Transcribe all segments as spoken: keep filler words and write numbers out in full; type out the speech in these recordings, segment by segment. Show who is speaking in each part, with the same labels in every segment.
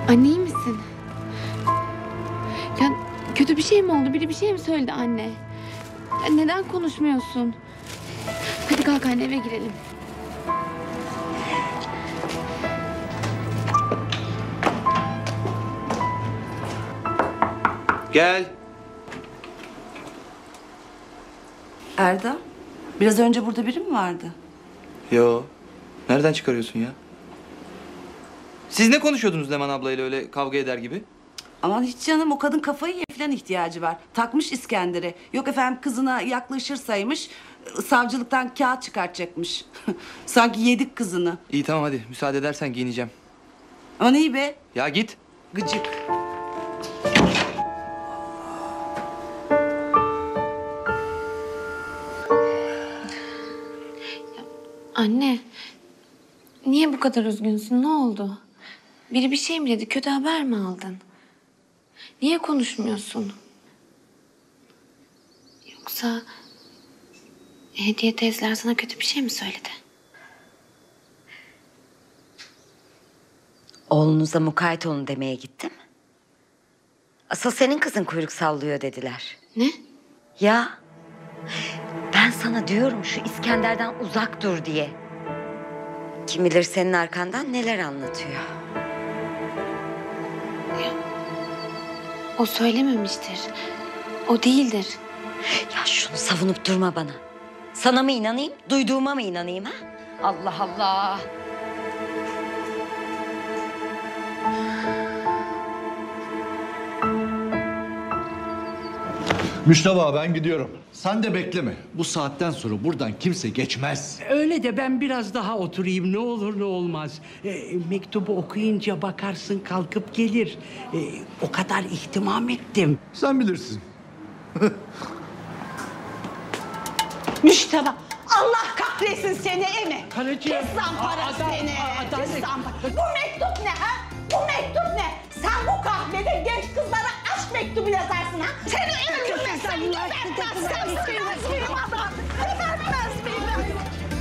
Speaker 1: Anne iyi misin? Ya kötü bir şey mi oldu? Biri bir şey mi söyledi anne? Ya neden konuşmuyorsun? Hadi kalk anne eve girelim.
Speaker 2: Gel.
Speaker 3: Erdal, biraz önce burada biri mi vardı?
Speaker 2: Yo. Nereden çıkarıyorsun ya? Siz ne konuşuyordunuz Leman ablayla öyle kavga eder gibi?
Speaker 3: Aman hiç canım, o kadın kafayı ye falan ihtiyacı var. Takmış İskender'e. Yok efendim kızına yaklaşırsaymış, savcılıktan kağıt çıkartacakmış. Sanki yedik kızını.
Speaker 2: İyi tamam hadi müsaade edersen giyineceğim.
Speaker 3: Aman iyi be,
Speaker 2: Ya git.
Speaker 3: gıcık.
Speaker 1: Anne, niye bu kadar üzgünsün? Ne oldu? Biri bir şey mi dedi? Kötü haber mi aldın? Niye konuşmuyorsun? Yoksa Hediye teyzeler sana kötü bir şey mi söyledi?
Speaker 4: Oğlunuza mukayyet olun demeye gittim. Asıl senin kızın kuyruk sallıyor dediler.
Speaker 1: Ne?
Speaker 4: Ya ben sana diyorum şu İskender'den uzak dur diye. Kim bilir senin arkandan neler anlatıyor.
Speaker 1: O söylememiştir. O değildir.
Speaker 4: Ya şunu savunup durma bana. Sana mı inanayım, duyduğuma mı inanayım ha? Allah Allah.
Speaker 5: Müştaba ben gidiyorum. Sen de bekleme. Bu saatten sonra buradan kimse geçmez.
Speaker 6: Öyle de ben biraz daha oturayım ne olur ne olmaz. E, mektubu okuyunca bakarsın kalkıp gelir. E, o kadar ihtimam ettim.
Speaker 5: Sen bilirsin.
Speaker 7: Müşteba, Allah kahretsin seni Emi.
Speaker 6: Karıcığım.
Speaker 7: Pis zampara
Speaker 6: Aa,
Speaker 7: seni.
Speaker 6: aa,
Speaker 7: Pis zampara. Bu mektup ne ha? Bu mektup ne? Sen bu kahvede genç kızlara aşk mektubu yazarsın ha? Seni öldürmezsen gebertmezsem sürmez benim adam. Gebertmez beni.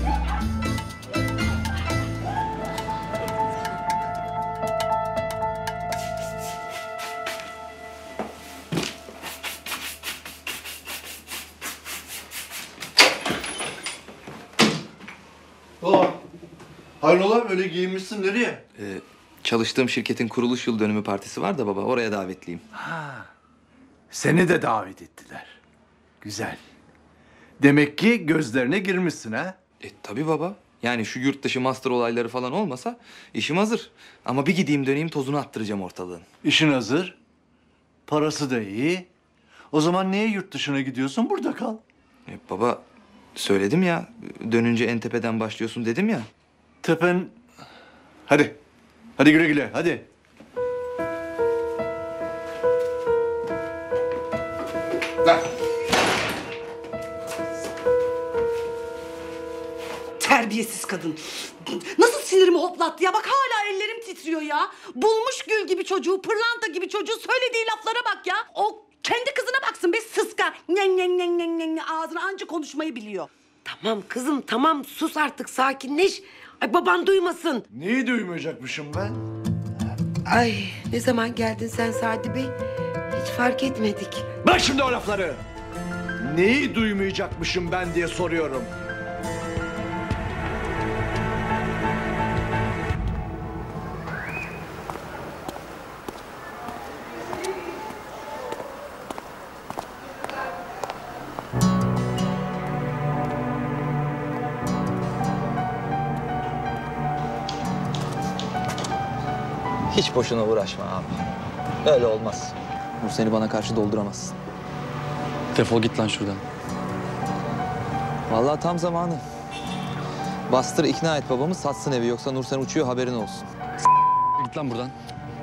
Speaker 5: Aa, hayrola böyle giyinmişsin nereye?
Speaker 2: Ee, çalıştığım şirketin kuruluş yıl dönümü partisi var da baba oraya davetliyim.
Speaker 5: Ha, seni de davet ettiler. Güzel. Demek ki gözlerine girmişsin ha?
Speaker 2: E tabii baba. Yani şu yurt dışı master olayları falan olmasa işim hazır. Ama bir gideyim döneyim tozunu attıracağım ortalığın.
Speaker 5: İşin hazır. Parası da iyi. O zaman niye yurt dışına gidiyorsun? Burada kal.
Speaker 2: E baba söyledim ya dönünce en tepeden başlıyorsun dedim ya.
Speaker 5: Tepen... Hadi. Hadi güle güle hadi. Ver.
Speaker 3: Terbiyesiz kadın. Nasıl sinirimi hoplattı ya? Bak hala ellerim titriyor ya. Bulmuş gül gibi çocuğu, pırlanta gibi çocuğu, söylediği laflara bak ya. O kendi kızına baksın be sıska. Nyen nyen nyen nyen nyen ağzına anca konuşmayı biliyor.
Speaker 8: Tamam kızım tamam sus artık sakinleş. Ay baban duymasın.
Speaker 5: Neyi duymayacakmışım ben?
Speaker 8: Ay ne zaman geldin sen Sadi Bey? Hiç fark etmedik.
Speaker 5: Bak şimdi o lafları. Neyi duymayacakmışım ben diye soruyorum.
Speaker 2: Hiç boşuna uğraşma abi. Öyle olmaz. Nur seni bana karşı dolduramazsın.
Speaker 9: Defol git lan şuradan.
Speaker 2: Vallahi tam zamanı. Bastır ikna et babamı satsın evi yoksa Nursen uçuyor haberin olsun.
Speaker 9: Git lan buradan.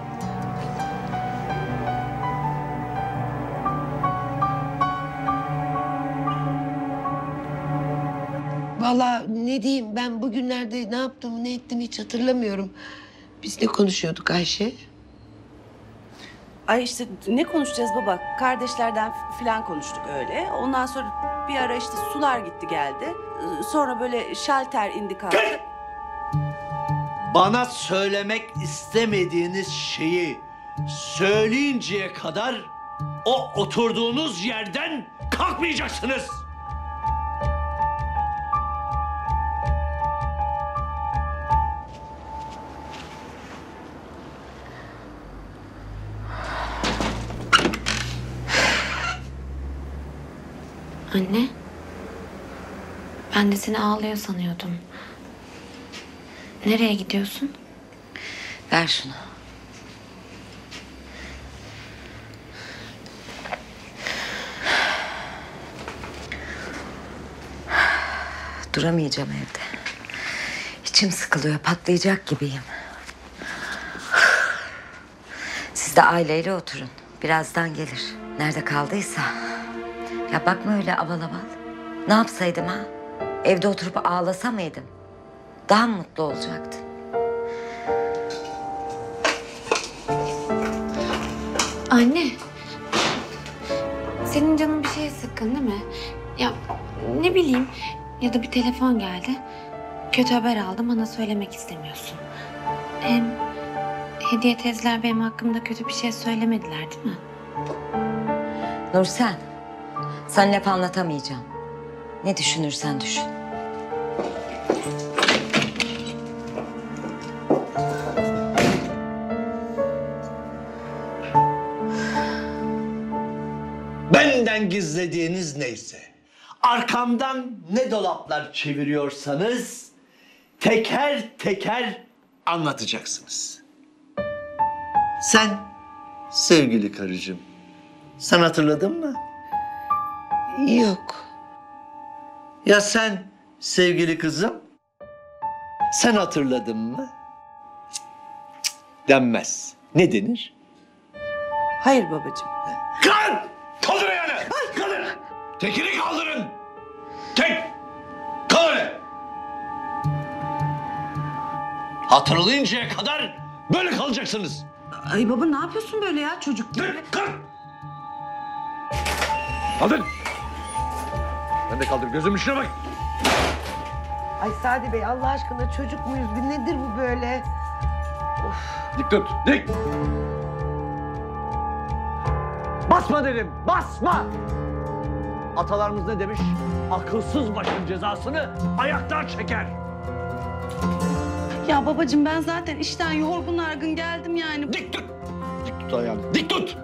Speaker 8: Vallahi ne diyeyim ben bugünlerde ne yaptığımı ne ettiğimi hiç hatırlamıyorum. Biz ne konuşuyorduk Ayşe?
Speaker 3: Ay işte ne konuşacağız baba? Kardeşlerden falan konuştuk öyle. Ondan sonra bir ara işte sular gitti geldi. Ee, Sonra böyle şalter indi kalktı.
Speaker 5: bana söylemek istemediğiniz şeyi söyleyinceye kadar o oturduğunuz yerden kalkmayacaksınız.
Speaker 1: Anne. Ben de seni ağlıyor sanıyordum. Nereye gidiyorsun?
Speaker 4: Ver şunu. Duramayacağım evde. İçim sıkılıyor, patlayacak gibiyim. Siz de aileyle oturun. Birazdan gelir. Nerede kaldıysa. Ya bakma öyle aval aval. Ne yapsaydım ha? Evde oturup ağlasa mıydım? Daha mı mutlu olacaktın?
Speaker 1: Anne. Senin canın bir şeye sıkkın değil mi? Ya ne bileyim, ya da bir telefon geldi. Kötü haber aldım, bana söylemek istemiyorsun. Hem Hediye teyzeler benim hakkımda kötü bir şey söylemediler değil mi?
Speaker 4: Nursen, sen laf anlatamayacağım. Ne düşünürsen düşün.
Speaker 5: Benden gizlediğiniz neyse, arkamdan ne dolaplar çeviriyorsanız teker teker anlatacaksınız. Sen sevgili karıcığım, sen hatırladın mı?
Speaker 8: Yok.
Speaker 5: Ya sen sevgili kızım, sen hatırladın mı? Cık, cık, denmez. Ne denir?
Speaker 8: Hayır babacığım.
Speaker 5: Kaldır! Kaldır ayağını! Kaldır! Tekini kaldırın! Tek! Kaldır! Hatırlayıncaya kadar böyle kalacaksınız.
Speaker 3: Ay baba ne yapıyorsun böyle ya çocuk gibi?
Speaker 5: Dur, kalk! Kaldır! Ben de kaldır, gözümün içine bak.
Speaker 8: Ay Sadi Bey Allah aşkına çocuk muyuz? Bir nedir bu böyle?
Speaker 5: Dik tut, dik! Basma dedim, basma! Atalarımız ne demiş? Akılsız başın cezasını ayaklar çeker.
Speaker 3: Ya babacığım ben zaten işten yorgun argın geldim yani.
Speaker 5: Dik tut! Dik tut ayağını, dik tut!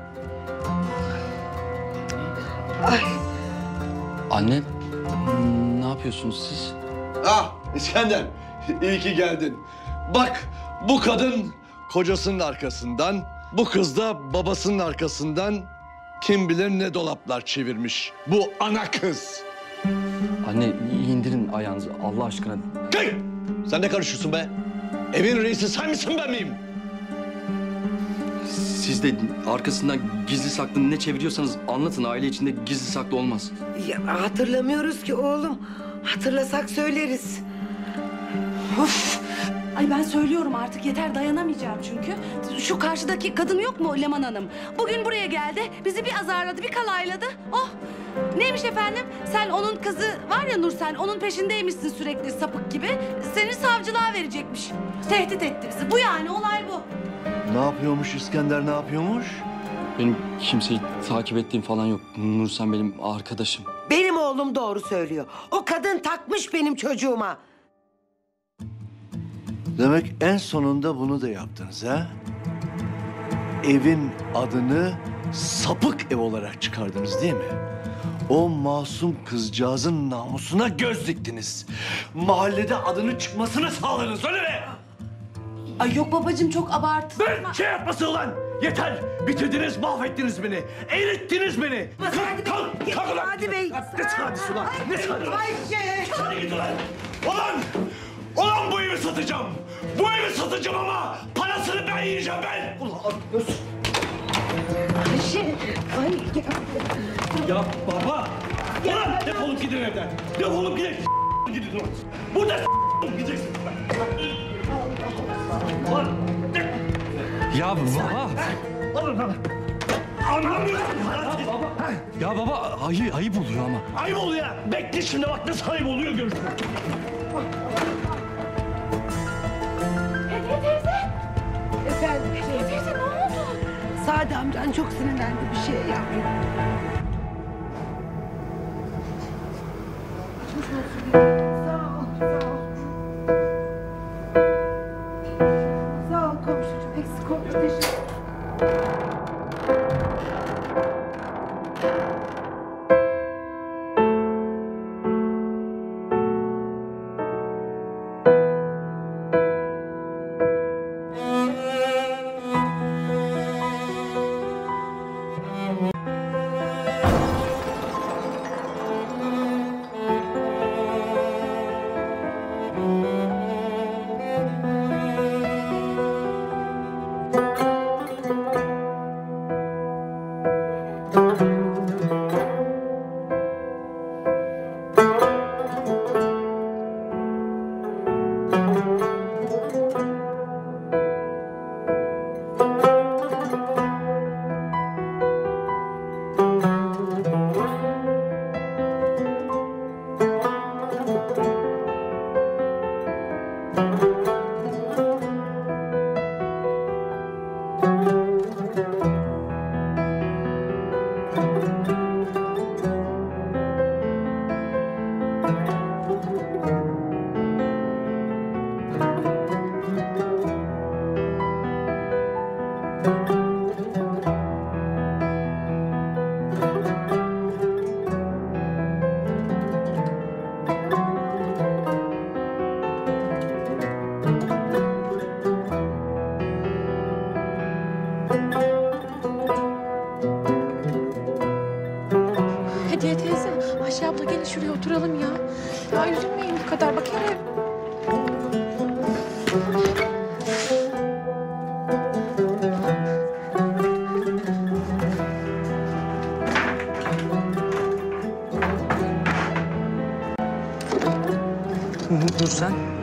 Speaker 9: Anne, ne yapıyorsunuz siz?
Speaker 5: Ah İskender, iyi ki geldin. Bak bu kadın kocasının arkasından, bu kız da babasının arkasından kim bilir ne dolaplar çevirmiş. Bu ana kız.
Speaker 9: Anne, indirin ayağınızı Allah aşkına.
Speaker 5: Hey! Sen ne karışıyorsun be? Evin reisi sen misin ben miyim?
Speaker 9: Siz de arkasından gizli saklı ne çeviriyorsanız anlatın. Aile içinde gizli saklı olmaz.
Speaker 8: Ya, hatırlamıyoruz ki oğlum. Hatırlasak söyleriz.
Speaker 3: Of! Ay ben söylüyorum artık yeter dayanamayacağım çünkü. Şu karşıdaki kadın yok mu Leman Hanım? Bugün buraya geldi, bizi bir azarladı, bir kalayladı. Oh! Neymiş efendim? Sen onun kızı var ya Nursen, onun peşindeymişsin sürekli sapık gibi. Seni savcılığa verecekmiş. Tehdit etti bizi. Bu yani, olay bu.
Speaker 5: Ne yapıyormuş İskender, ne yapıyormuş?
Speaker 9: Benim kimseyi takip ettiğim falan yok. Nursen benim arkadaşım.
Speaker 8: Benim oğlum doğru söylüyor. O kadın takmış benim çocuğuma.
Speaker 5: Demek en sonunda bunu da yaptınız ha? Evin adını sapık ev olarak çıkardınız değil mi? O masum kızcağızın namusuna göz diktiniz. Mahallede adını çıkmasını sağladınız öyle mi?
Speaker 3: Ay yok babacığım çok abartı.
Speaker 5: Ben şey yapmasın ulan! Yeter! Bitirdiniz, mahvettiniz beni. Erittiniz beni. Kalk, kalk, kalk ulan!
Speaker 8: Sadi Bey.
Speaker 5: Ne sadisi ulan? Ne sadisi?
Speaker 8: Ayşe.
Speaker 5: Hadi git ulan! Ulan! Ulan bu evi satacağım! Bu evi satacağım ama parasını ben yiyeceğim ben! Ulan nasıl?
Speaker 8: Ayşe. Ay.
Speaker 5: Ya baba! Ulan defolup gidin evden! Defolup gidin! Gidin ulan! Burada gideceksin! Ulan!
Speaker 9: Ya baba!
Speaker 5: Alın lan! Anlamıyorum! Baba!
Speaker 9: Ya baba ayı, ayıp oluyor ama.
Speaker 5: Ayıp oluyor! Bekle şimdi bak nasıl ayıp oluyor görürsün!
Speaker 8: sinirlendi bir şey.
Speaker 7: Teyze ne oldu?
Speaker 8: Sadi amcan çok sinirlendi bir şey yavrum. Sağ ol, sağ ol. Sağ ol komşucuğum, eksik olma, teşekkür.
Speaker 10: Hediye teyze, Ayşe abla gelin şuraya oturalım ya. Ya üzülmeyin bu kadar bak hele.
Speaker 2: Dur sen.